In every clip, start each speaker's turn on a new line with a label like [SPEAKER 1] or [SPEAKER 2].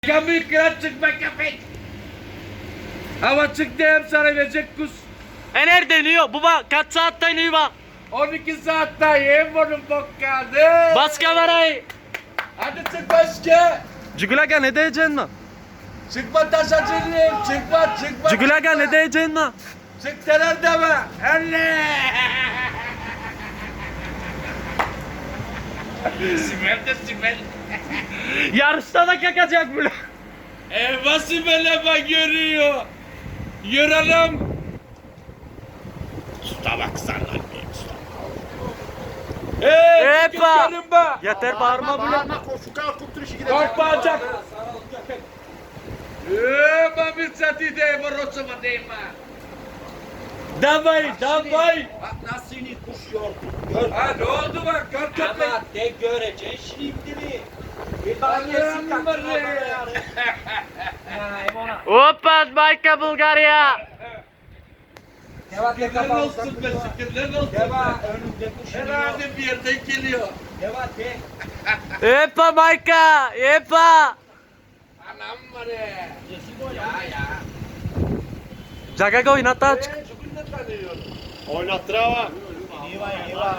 [SPEAKER 1] Kami kırat çıkma köpek. Hava çıktı hem sana verecek kus.
[SPEAKER 2] Nerede iniyor? Baba kaç saatte iniyor bak.
[SPEAKER 1] 12 saatte yem bunun bokkadı.
[SPEAKER 2] Bas kamerayı.
[SPEAKER 1] Hadi çık başka.
[SPEAKER 2] Cugulaga ne diyeceksin lan?
[SPEAKER 1] Çıkma taşacılıyım. Çıkma.
[SPEAKER 2] Cugulaga ne diyeceksin lan?
[SPEAKER 1] Çık denen deme. Elle. Sibel de Sibel.
[SPEAKER 2] Yarışta da kakacak bile.
[SPEAKER 1] Sibel'e bak görüyor. Yürüyelim. Usta baksana.
[SPEAKER 2] Epa.
[SPEAKER 1] Çıkın be.
[SPEAKER 2] Yeter bağırma bile.
[SPEAKER 1] Korkmayacak. Mami sati de borosuma deyma. Davay.
[SPEAKER 3] Bak nasıl ini kuş yordu.
[SPEAKER 1] Ha ne oldu bak kar köpek.
[SPEAKER 3] Ama de göreceksin şimdi. Bir bak
[SPEAKER 1] Allah'ım
[SPEAKER 3] yesin kaçma
[SPEAKER 1] be.
[SPEAKER 3] bana yani.
[SPEAKER 2] Hoppa Bayka Bulgarya.
[SPEAKER 3] Deva de
[SPEAKER 1] Şükürler
[SPEAKER 3] kapalı.
[SPEAKER 1] olsun be şükürler olsun.
[SPEAKER 3] Deva önünde kuş iniyor.
[SPEAKER 1] Herhalde bir yerden geliyor.
[SPEAKER 3] Deva de.
[SPEAKER 2] Epa Bayka. Epa.
[SPEAKER 1] Anam var ya. Ya.
[SPEAKER 2] Jaga oynat aç.
[SPEAKER 1] Bugün de tanıyorum.
[SPEAKER 4] Oynattır ama.
[SPEAKER 3] Niva.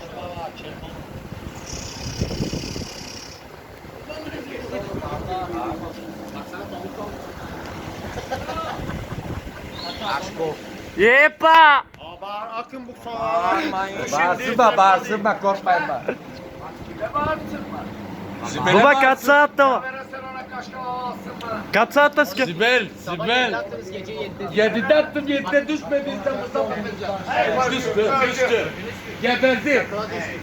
[SPEAKER 2] Epa.
[SPEAKER 4] Bağır akın bu sonra.
[SPEAKER 3] Bağırsın korkmayın bak.
[SPEAKER 2] Baba kaç saatte var? Kaç saatte sıkı?
[SPEAKER 1] Sibel.
[SPEAKER 3] Gece 7'de.
[SPEAKER 1] 7'de attım 7'de düşmedi. Düştü. Geberdi.